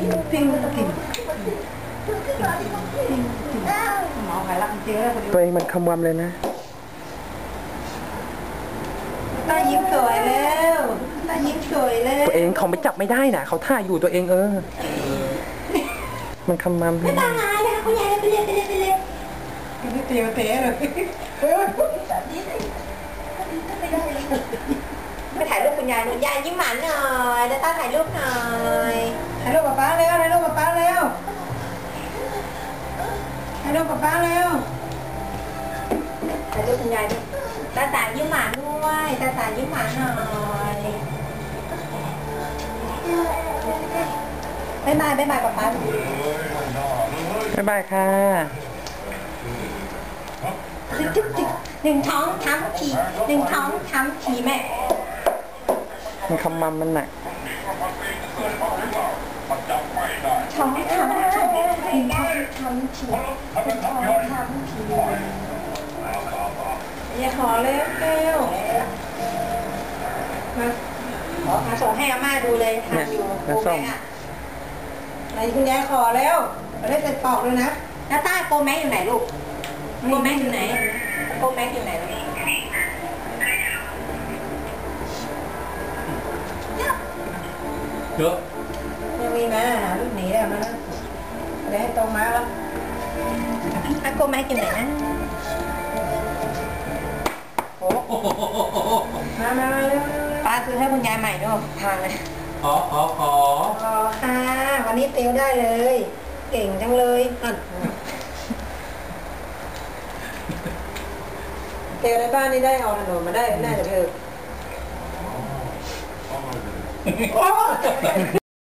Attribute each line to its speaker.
Speaker 1: พิงกินหมอขายรักจริงแล้ว
Speaker 2: ตัวเองมันคำวำเลยนะ
Speaker 1: ตายิ้มสวยแล้วตายิ้มสวยแล้ว
Speaker 2: ตัวเองเขาไปจับไม่ได้นะเขาท่าอยู่ตัวเองมันคำวำ
Speaker 1: ไม่ตายนะคุณยายไปเลยไม่เตียวเตะเลยไปถ่ายรูปคุณยายคุณยายยิ้มหวานหน่อยแล้วตาถ่ายรูปหน่อยถ่ายรูปกับป้าเร็วถ่ายรูปกับป้าเร็วถ่ายรูปกับป้าเร็วถ่ายรูปคุณยายดิตาตายิ้มหวานด้วยตาตายิ้มหวานหน่อยบ๊ายบายบ๊ายบายกับป้า
Speaker 2: บ๊ายบายค่ะ
Speaker 1: หนึ่งท้องทำขี่หนึ่งท้องทำขี่แม่
Speaker 2: มันคำวำมันหนัก
Speaker 1: ท้องทำขี่หนึ่งท้องทำขี่หนึ่งท้องทำขี่อย่าขอเร็วเร็วมาส่งให้อาม่าดูเลยทำอยู่โกแม็กอะไหนคุณยายขอแล้วเราได้เสร็จปอกเลยนะแล้วต้าโกแม็กอยู่ไหนลูกโกแม็กอยู่ไหนโกแม็กอยู่ไหนเยอะยังมีมาหาลูกหนีได้มาเดี๋ยวให้ตรงมาแล้วโกแม็กอยู่ไหนนะโอ้มาเร็วป้าซื้อให้คุณยายใหม่ด้วยทางเลยขอค่ะวันนี้เตียวได้เลยเก่งจังเลยเตียวในบ้านนี่ได้เอาถนนมาได้น่าจะเถอะ